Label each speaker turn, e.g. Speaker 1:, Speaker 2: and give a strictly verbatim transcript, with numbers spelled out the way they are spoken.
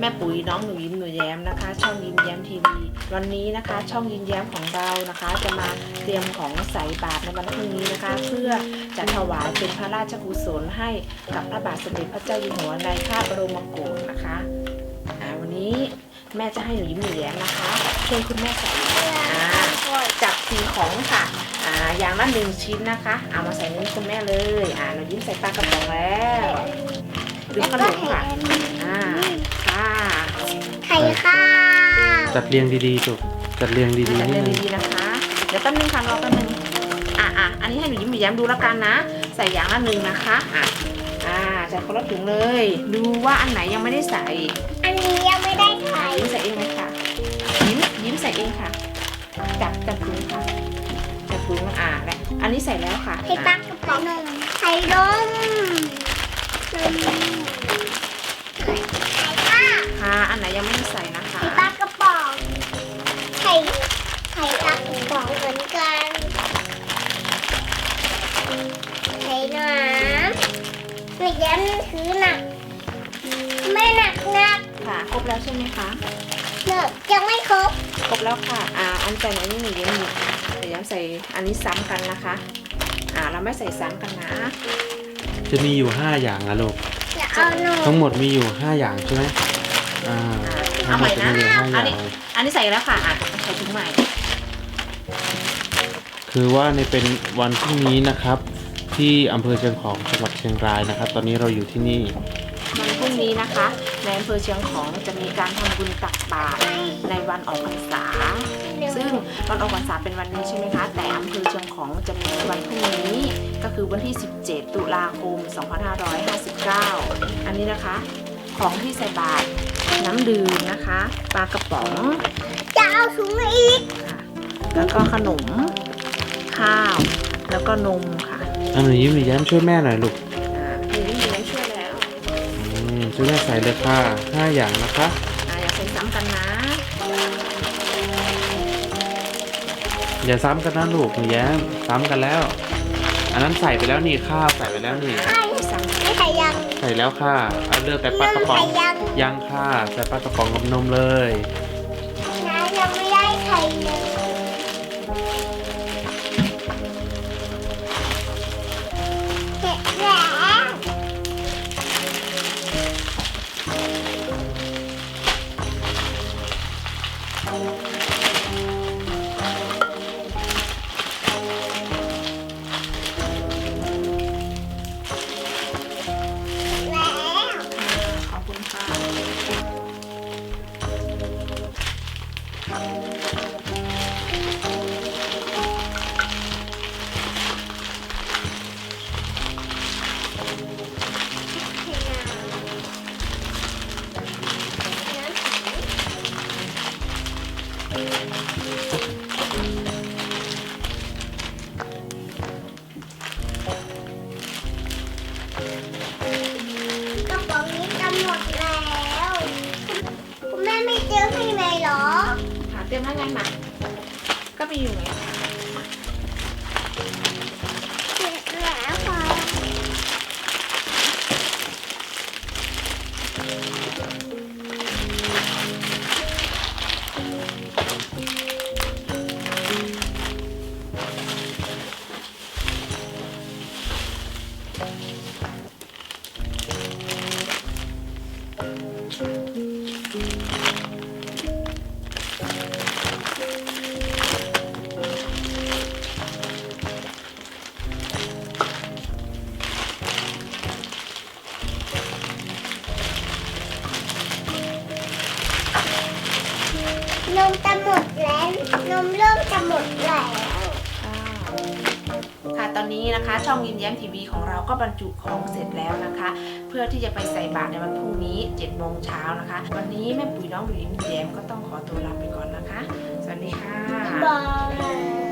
Speaker 1: ม่ปุ๋ยน้องหนูยิ้มหนูแย้มนะคะช่องยิ้มแย้มทีวีวันนี้นะคะช่องยิ้มแย้มของเรานะคะจะมาเตรียมของใส่บาตรในวันพรุ่งนี้นะคะเพื่อจะถวายเป็นพระราชกุศลให้กับพระบาทสมเด็จพระเจ้าอยู่หัวในพระบรมโกศนะคะอ่าวันนี้แม่จะให้หนูยิ้มหนูแย้มนะคะช่วยคุณแม่ใส่อ่าจับสีของค่ะอ่าอย่างละหนึ่งชิ้นนะคะเอามาใส่นิ้วคุณแม่เลยอ่าหนูยิ้มใส่ปลากระป๋องแล้วดูขนมค่ะอ่าค่ะ
Speaker 2: ไข่ค่ะ
Speaker 3: จัดเรียงดีๆจุกจัดเรียงดีๆ
Speaker 1: จัด
Speaker 3: นิ
Speaker 1: เรี
Speaker 3: ด
Speaker 1: ยง
Speaker 3: นึง
Speaker 1: ดีๆนะคะเดี๋ยวแป๊บนึงค่ะรอแป๊บนึงอ่ะอ่ะอันนี้ให้หนูยิ้มหนูแย้มดูแล้วกันนะใส่อย่างละหนึ่งนะคะอ่ะอ่าใส่คนละถุงเลยดูว่าอันไหนยังไม่ได้ใส่
Speaker 2: อันนี้ยังไม่ได้ไข่
Speaker 1: ยิ้มใส่เองเลยค่ะยิ้มยิ้มใส่เองค่ะจับจับถุงค่ะจับถุงอ่าและอันนี้ใส่แล้วค่ะ
Speaker 2: ไข่ปลา
Speaker 1: อ่ะ
Speaker 2: กระป๋องนมไข่นมนมไข่ค่ะ
Speaker 1: ค่ะอันไหนยังไม่ได้ใส่นะคะ
Speaker 2: ไข่ปลากระป๋องไข่ไข่ปลากระป๋องเหมือนกันไข่น้ำไม่ยันถือหนักไม่หนักหนัก
Speaker 1: ค่ะครบแล้วใช่ไหมคะ
Speaker 2: เนอะยังไม่ครบ
Speaker 1: ครบแล้วค่ะอ่าอันใส่ไหนนี่หนูยิ้มหนูเดี๋ยวย้ำใส่อันนี้ซ้ำกันนะคะอ่าเราไม่ใส่ซ้ำกันนะ
Speaker 3: จะมีอยู่ห้าอย่างนะลูก
Speaker 2: จะเอานม
Speaker 3: ทั้งหมดมีอยู่ห้าอย่างใช่ไหมอ่า
Speaker 1: เอาใหม่นะ
Speaker 3: ทั้งหดจมีอยู่ห้าอ
Speaker 1: อัน
Speaker 3: ย่าง
Speaker 1: นี้อันนี้ใส่แล้วค่ะอ่ะใส่ถุงใหม่
Speaker 3: คือว่าในเป็นวันพรุ่งนี้นะครับ ที่อำเภอเชียงของจังหวัดเชียงรายนะครับ ตอนนี้เราอยู่ที่นี่
Speaker 1: วันพรุ่งนี้นะคะในอำเภอเชียงของจะมีการทำบุญตักบาตรในวันออกพรรษา ซึ่งวันออกพรรษาเป็นวันนี้ใช่ไหมคะแต่อำเภอเชียงของจะมีวันพรุ่งนี้ก็คือวันที่สิบเจ็ดตุลาคมสองพันห้าร้อยห้าสิบเก้าอันนี้นะคะของที่ใส่บาตรน้ำดื่มนะคะปลากระป๋อง
Speaker 2: จะเอาถุงมาอีก
Speaker 1: ค่ะแล้วก็ขนมข้าว แล้วก็นมค่ะ
Speaker 3: อันหนูยิ้มหนูแย้มช่วยแม่หน่อยลูก
Speaker 1: อ่าพี่ยิ้มยิ้มช่วยแล้ว
Speaker 3: อืมช่วยแม่ใส่เลยค่ะห้าอย่างนะคะ
Speaker 1: อ่าอย่าใส่ซ้ำกันนะ
Speaker 3: อย่าซ้ำกันนะลูกหนูแย้มซ้ำกันแล้ว อันนั้นใส่ไปแล้วนี่ข้าวใส่ไปแล้วนี่
Speaker 2: ไข่ไม่ไข่ยัง
Speaker 3: ใส่แล้วค่ะเอาเลือกแต่ปลากระป๋อง
Speaker 2: ไข่ยัง
Speaker 3: ยังค่ะใส่ปลากระป๋องกับนมเลย
Speaker 2: น้ายังไม่ได้ไข่เลยเสร็จแล้ว แล้ว
Speaker 1: ขอบคุณค่ะ
Speaker 2: กระป๋องนี้จะหมดแล้ว คุณแม่ไม่เจอให้ไหมเหรอ
Speaker 1: ค่ะเตรียมแล้วไงมาก็มีอยู่ไง
Speaker 2: เสร็จแล้วค่ะ นมจะหมดแล้ว นมเริ่มจะหมดแล้ว
Speaker 1: ค่ะตอนนี้นะคะช่องยิ้มแย้มทีวีของเราก็บรรจุของเสร็จแล้วนะคะ เพื่อที่จะไปใส่บาตรในวันพรุ่งนี้เจ็ดโมงเช้านะคะ วันนี้แม่ปุ๋ยน้องหนูยิ้มแย้มก็ต้องขอตัวลาไปก่อนนะคะ สวัสดีค่ะ
Speaker 2: บาย